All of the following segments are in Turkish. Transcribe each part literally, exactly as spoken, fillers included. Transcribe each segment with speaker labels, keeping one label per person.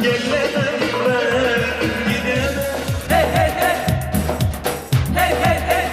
Speaker 1: Gelmeden ben gidemem. Hey hey hey. Hey hey hey.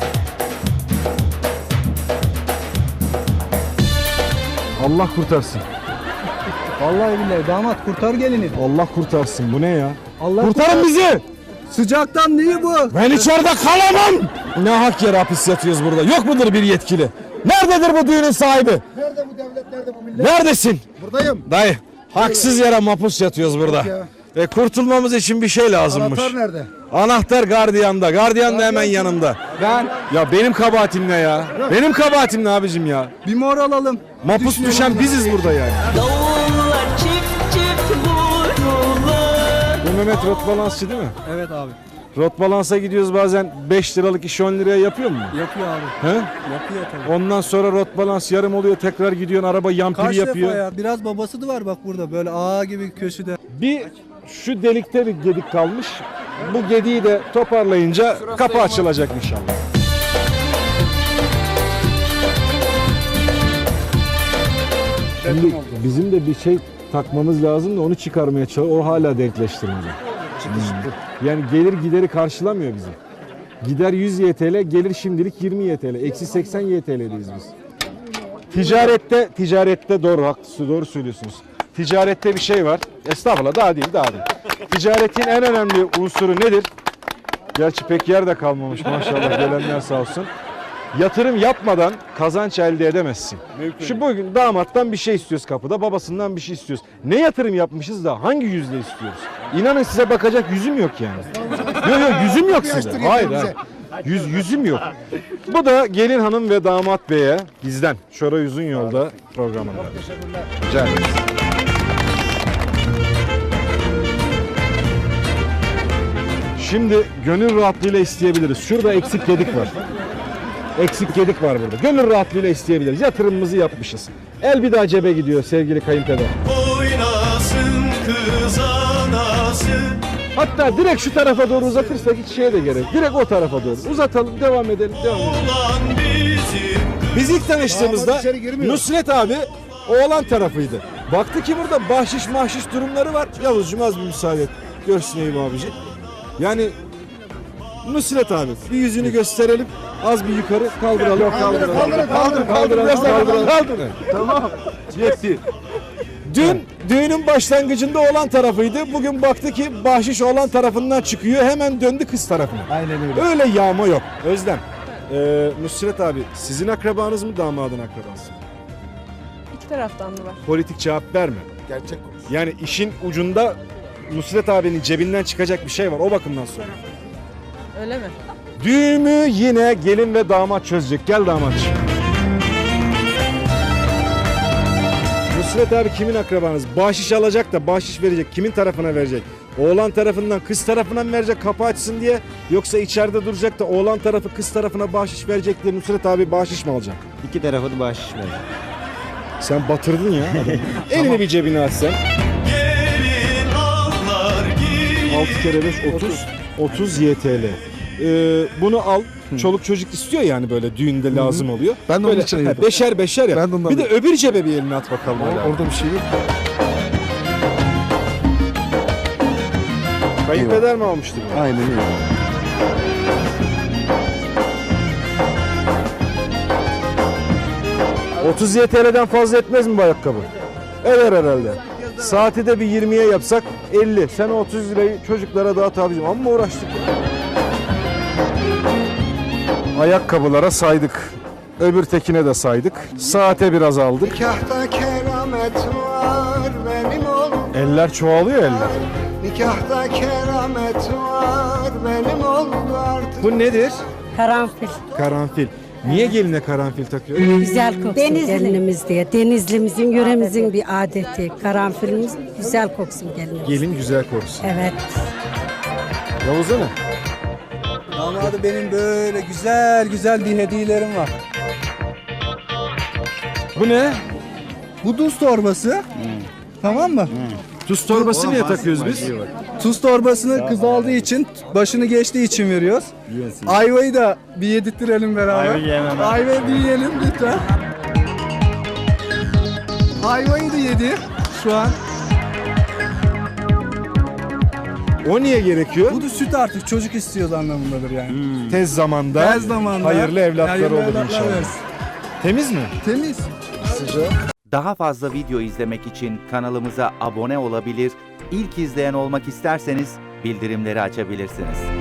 Speaker 2: Allah kurtarsın.
Speaker 3: Vallahi billahi damat kurtar gelini.
Speaker 2: Allah kurtarsın. Bu ne ya?
Speaker 3: Allah
Speaker 2: Kurtarın bizi!
Speaker 3: Sıcaktan neyi bu?
Speaker 2: Ben içeride kalamam! Ne hak yere hapis yatıyoruz burada? Yok mudur bir yetkili? Nerededir bu düğünün sahibi?
Speaker 3: Nerede bu devlet, nerede bu millet?
Speaker 2: Neredesin?
Speaker 3: Buradayım.
Speaker 2: Dayı, haksız yere mahpus yatıyoruz burada.
Speaker 3: ya.
Speaker 2: Ve kurtulmamız için bir şey lazımmış.
Speaker 3: Anahtar nerede?
Speaker 2: Anahtar gardiyanda. Gardiyan da hemen yanımda.
Speaker 3: Ben
Speaker 2: Ya benim kabahatim ne ya? Benim kabahatim ne abicim ya?
Speaker 3: bir mor alalım.
Speaker 2: Mahpus
Speaker 3: Düşünelim.
Speaker 2: düşen biziz burada yani.
Speaker 1: Davullar çift çift vururlar.
Speaker 2: Bu Mehmet rot balansçı değil mi?
Speaker 3: Evet abi.
Speaker 2: Rot balansa gidiyoruz bazen beş liralık işi on liraya yapıyor mu?
Speaker 3: Yapıyor abi.
Speaker 2: He?
Speaker 3: Yapıyor tabii.
Speaker 2: Ondan sonra rot balans yarım oluyor, tekrar gidiyorsun, araba yampiri
Speaker 3: Kaç
Speaker 2: yapıyor.
Speaker 3: defa ya? Biraz babası da var bak burada böyle ağa gibi köşede.
Speaker 2: Bir şu delikte bir gedik kalmış. Bu gediği de toparlayınca kapı açılacak inşallah. Şimdi bizim de bir şey takmamız lazım da onu çıkarmaya çalışıyor. O hala denkleştirmedi. Yani gelir gideri karşılamıyor bizi. Gider yüz Y T L, gelir şimdilik yirmi Y T L. Eksi seksen Y T L'deyiz biz. Ticarette, ticarette doğru, haklısınız, doğru söylüyorsunuz. Ticarette bir şey var. Estağfurullah, daha değil, daha değil. Ticaretin en önemli unsuru nedir? Gerçi pek yer de kalmamış maşallah, gelenler sağ olsun. Yatırım yapmadan kazanç elde edemezsin. Mümkün. Şu bugün damattan bir şey istiyoruz kapıda, babasından bir şey istiyoruz. Ne yatırım yapmışız da hangi yüzle istiyoruz? İnanın size bakacak yüzüm yok yani. Yok yok yüzüm yok size. Hayır hayır. Yüz, yüzüm yok. Bu da gelin hanım ve damat beye bizden. Şora Yüzün Yolda programında. Rica ederiz. Şimdi gönül rahatlığıyla isteyebiliriz. Şurada eksik gedik var. Eksik gedik var burada. Gönül rahatlığıyla isteyebiliriz. Yatırımımızı yapmışız. El bir daha cebe gidiyor sevgili kayınpeder.
Speaker 1: Oynasın kız anası.
Speaker 2: Hatta direkt şu tarafa doğru uzatırsak hiç şeye de gerek. Direkt o tarafa doğru. Uzatalım, devam edelim, devam edelim.
Speaker 1: Olan bizim.
Speaker 2: Biz ilk tanıştığımızda
Speaker 3: Damat içeri girmiyor.
Speaker 2: Nusret abi oğlan tarafıydı. Baktı ki burada bahşiş mahşiş durumları var. Yavuzcuğum az bir müsaade et. Görsün Eyüp abici. Yani Nusret abi bir yüzünü gösterelim. Az bir yukarı kaldıralım. Yok, kaldıralım.
Speaker 3: Kaldırın, kaldırın,
Speaker 2: Kaldıralım,
Speaker 3: kaldırın.
Speaker 2: kaldıralım, kaldırın. Tamam. Yetti. Dün düğünün başlangıcında oğlan tarafıydı. Bugün baktı ki bahşiş oğlan tarafından çıkıyor. Hemen döndü kız tarafına.
Speaker 3: Aynen öyle.
Speaker 2: Öyle yağma yok. Özlem. Ee, Nusret abi sizin akrabanız mı damadın akrabası?
Speaker 4: İki taraftan da var.
Speaker 2: Politik cevap verme.
Speaker 3: Gerçek konuş.
Speaker 2: Yani işin ucunda Nusret abinin cebinden çıkacak bir şey var o bakımdan sonra.
Speaker 4: Öyle mi?
Speaker 2: Düğümü yine gelin ve damat çözecek. Gel damatçığım. Nusret abi kimin akrabanız? Bahşiş alacak da bahşiş verecek. Kimin tarafına verecek? Oğlan tarafından kız tarafına mı verecek kapı açsın diye? Yoksa içeride duracak da oğlan tarafı kız tarafına bahşiş verecek diye Nusret abi bahşiş mi alacak?
Speaker 5: İki tarafı da bahşiş verir.
Speaker 2: Sen batırdın ya adamı. Elini bir cebine at sen.
Speaker 1: Gelin ağlar giyin.
Speaker 2: altı kere beş otuz. otuz Y T L. Ee, bunu al. Çoluk çocuk istiyor yani böyle düğünde lazım oluyor.
Speaker 3: Ben de
Speaker 2: böyle,
Speaker 3: onun için
Speaker 2: ha,
Speaker 3: yedim.
Speaker 2: beşer beşer ya.
Speaker 3: Ben de ondan
Speaker 2: Bir de öbür cebe bir elini at bakalım. hala.
Speaker 3: Orada bir şey yok.
Speaker 2: Kayınpeder mi almıştı bunu?
Speaker 3: Aynen öyle.
Speaker 2: otuz Y T L'den fazla etmez mi bu ayakkabı? Eder herhalde. Saati de bir yirmiye yapsak elli. Sen o otuz lirayı çocuklara dağıt abicim. Amma uğraştık ya. Ayakkabılara saydık. Öbür tekine de saydık. Saate biraz aldık.
Speaker 6: Nikahta keramet var benim oğlum.
Speaker 2: Eller çoğalıyor eller.
Speaker 6: Nikahta keramet var benim oğlum artık.
Speaker 2: Bu nedir?
Speaker 7: Karanfil.
Speaker 2: Karanfil. Niye geline karanfil takıyor?
Speaker 7: Güzel koksun gelinimiz diye. Denizlimizin, yöremizin bir adeti. Karanfilimiz güzel koksun gelinimiz.
Speaker 2: Gelin güzel korusun.
Speaker 7: Evet.
Speaker 2: Yavuz'a ne?
Speaker 3: Damadı benim böyle güzel güzel bir hediyelerim var.
Speaker 2: Bu ne?
Speaker 3: Bu tuz torbası. Tamam mı?
Speaker 2: Tuz torbası niye takıyoruz biz?
Speaker 3: Tuz torbasını kız aldığı için, başını geçtiği için veriyoruz. Ayvayı da bir yedirttirelim beraber.
Speaker 5: Ayva yemem ben.
Speaker 3: Ayvayı bir yiyelim lütfen. Ayvayı da yedi şu an.
Speaker 2: O niye gerekiyor?
Speaker 3: Bu da süt artık çocuk istiyoruz anlamındadır yani.
Speaker 2: Tez zamanda,
Speaker 3: Tez zamanda
Speaker 2: hayırlı evlatlar
Speaker 3: hayırlı
Speaker 2: olur
Speaker 3: evlatlar
Speaker 2: inşallah.
Speaker 3: versin.
Speaker 2: Temiz mi?
Speaker 3: Temiz.
Speaker 5: Daha fazla video izlemek için kanalımıza abone olabilir, ilk izleyen olmak isterseniz bildirimleri açabilirsiniz.